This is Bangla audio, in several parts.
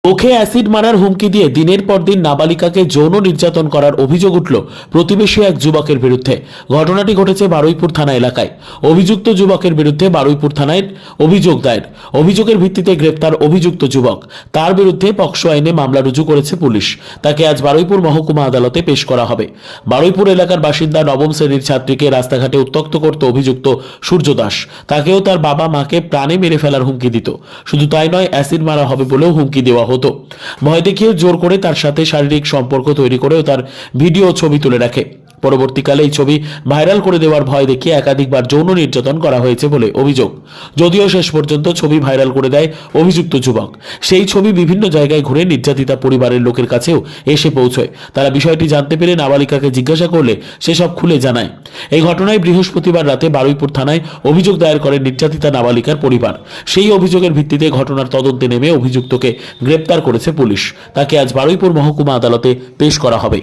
মুখে অ্যাসিড মারার হুমকি দিয়ে দিনের পর দিন নাবালিকাকে যৌন নির্যাতন করার অভিযোগ উঠল প্রতিবেশী এক যুবকের বিরুদ্ধে। ঘটনাটি ঘটেছে বারুইপুর থানা এলাকায়। অভিযুক্ত যুবকের বিরুদ্ধে বারুইপুর থানায় অভিযোগ দায়ের। অভিযোগের ভিত্তিতে গ্রেপ্তার অভিযুক্ত যুবক। তার বিরুদ্ধে পক্সো আইনে মামলা রুজু করেছে পুলিশ। তাকে আজ বারুইপুর মহকুমা আদালতে পেশ করা হবে। বারুইপুর এলাকার বাসিন্দা নবম শ্রেণীর ছাত্রীকে রাস্তাঘাটে উত্ত্যক্ত করত অভিযুক্ত সূর্য দাস। তাকেও তার বাবা মাকে প্রাণে মেরে ফেলার হুমকি দিত। শুধু তাই নয়, অ্যাসিড মারা হবে বলেও হুমকি দেওয়া হতো। ভয় দেখিয়ে জোর করে তার সাথে শারীরিক সম্পর্ক তৈরি করেও তার ভিডিও ছবি তুলে রাখে। পরবর্তীকালে এই ছবি ভাইরাল করে দেওয়ার ভয় দেখিয়ে একাধিকবার যৌন নির্যাতন করা হয়েছে বলে অভিযোগ। যদিও শেষ পর্যন্ত ছবি ভাইরাল করে দেয় অভিযুক্ত যুবক। সেই ছবি বিভিন্ন জায়গায় ঘুরে নির্যাতিতা পরিবারের লোকের কাছেও এসে পৌঁছয়। তারা বিষয়টি জানতে পেরে নাবালিকাকে জিজ্ঞাসা করলে সে সব খুলে জানায়। এই ঘটনায় বৃহস্পতিবার রাতে বারুইপুর থানায় অভিযোগ দায়ের করে নির্যাতিতা নাবালিকার পরিবার। সেই অভিযোগের ভিত্তিতে ঘটনার তদন্তে নেমে অভিযুক্তকে গ্রেপ্তার করেছে পুলিশ। তাকে আজ বারুইপুর মহকুমা আদালতে পেশ করা হবে।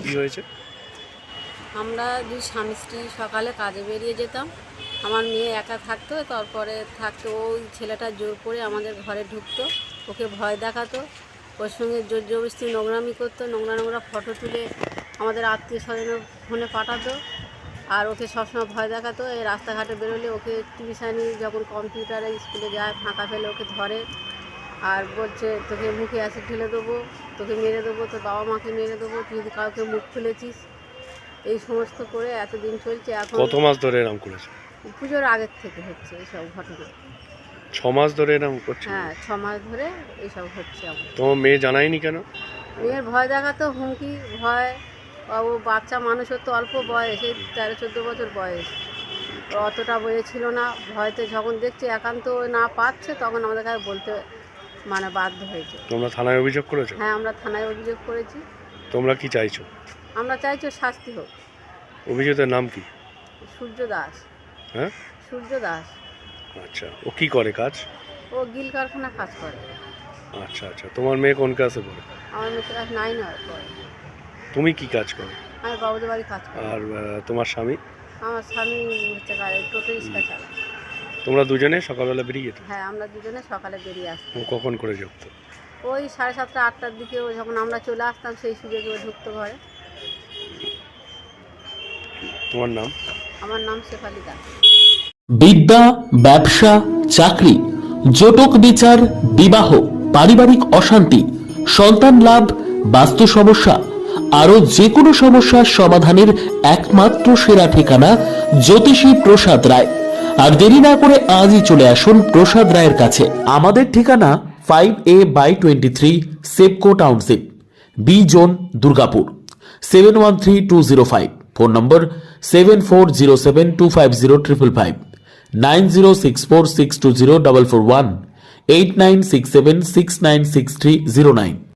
আমরা দুই স্বামী স্ত্রী সকালে কাজে বেরিয়ে যেতাম। আমার মেয়ে একা থাকতো, তারপরে থাকতো ওই ছেলেটা জোর করে আমাদের ঘরে ঢুকতো, ওকে ভয় দেখাতো, ওর সঙ্গে জোর জবরদস্তি নোংরামি করতো, নোংরা ফটো তুলে আমাদের আত্মীয় স্বজনের ফোনে পাঠাতো। আর ওকে সবসময় ভয় দেখাতো। এই রাস্তাঘাটে বেরোলে ওকে টিউশানি যখন কম্পিউটারে স্কুলে যায় ফাঁকা ফেলে ওকে ধরে আর বলছে তোকে মুখে অ্যাসিড ঢেলে দেবো, তোকে মেরে দেবো, তোর বাবা মাকে মেরে দেবো, তুই যদি কাউকে মুখ খুলেছিস। এই সমস্ত করে এতদিন চলছে। এখন কত মাস ধরে এরকম করেছে? পুজোর আগের থেকে হচ্ছে এইসব ঘটনা। 6 মাস ধরে এরকম করছে? হ্যাঁ, 6 মাস ধরে এইসব হচ্ছে। তোমার মেয়ে জানায়নি কেন? মেয়ের ভয় দেখাতো, হুমকি, ভয়। ও বাচ্চা মানুষ, ওর তো অল্প বয়স, এই 13-14 বছর বয়স, অতটা বয়ে ছিল না। ভয়তে যখন দেখছে একান্ত না পাচ্ছে তখন আমাদের কাছে বলতে বাধ্য হয়েছে। তোমরা থানায় অভিযোগ করেছো? হ্যাঁ, আমরা থানায় অভিযোগ করেছি। তোমরা কি চাইছো? আমরা চাইছি শাস্তি হোক। অভিযুক্তের নাম কি? সূর্য দাস। হ্যাঁ, সূর্য দাস। আচ্ছা, ও কি করে কাজ? ও গিল কারখানা কাজ করে। আচ্ছা আচ্ছা, তোমার মেয়ে কোন ক্লাসে পড়ে? আমার মেয়ে ক্লাস 9 পড়ে। তুমি কি কাজ করো? আমি বাবুদের বাড়ি কাজ করি। আর তোমার স্বামী? আমার স্বামী হচ্ছে টোটো রিক্সা চালায়। তোমরা দুজনে সকালবেলা বেরিয়ে যেত? হ্যাঁ, আমরা দুজনে সকালে বেরিয়ে আসতাম। ও কখন করে ঢুকতো? ওই 7:30-8টার দিকে ও যখন আমরা চলে আসতাম সেই সুযোগে ও ঢুকতো ঘরে। তোমার নাম? আমার নাম শেফালি দাস। বিদ্যা, ব্যবসা, চাকরি, জটক বিচার, বিবাহ, পারিবারিক অশান্তি, সন্তান লাভ, বাস্তু সমস্যা, আরো যে কোনো সমস্যার সমাধানের একমাত্র সেরা ঠিকানা জ্যোতিষী প্রসাদ রায়। আর দেরি না করে আজই চলে আসুন প্রসাদ রায়ের কাছে। আমাদের ঠিকানা 5A/23 Sepco township, B zone, Durgapur, 713205। Phone নম্বর 7407250555, 9064620441, 8967696309।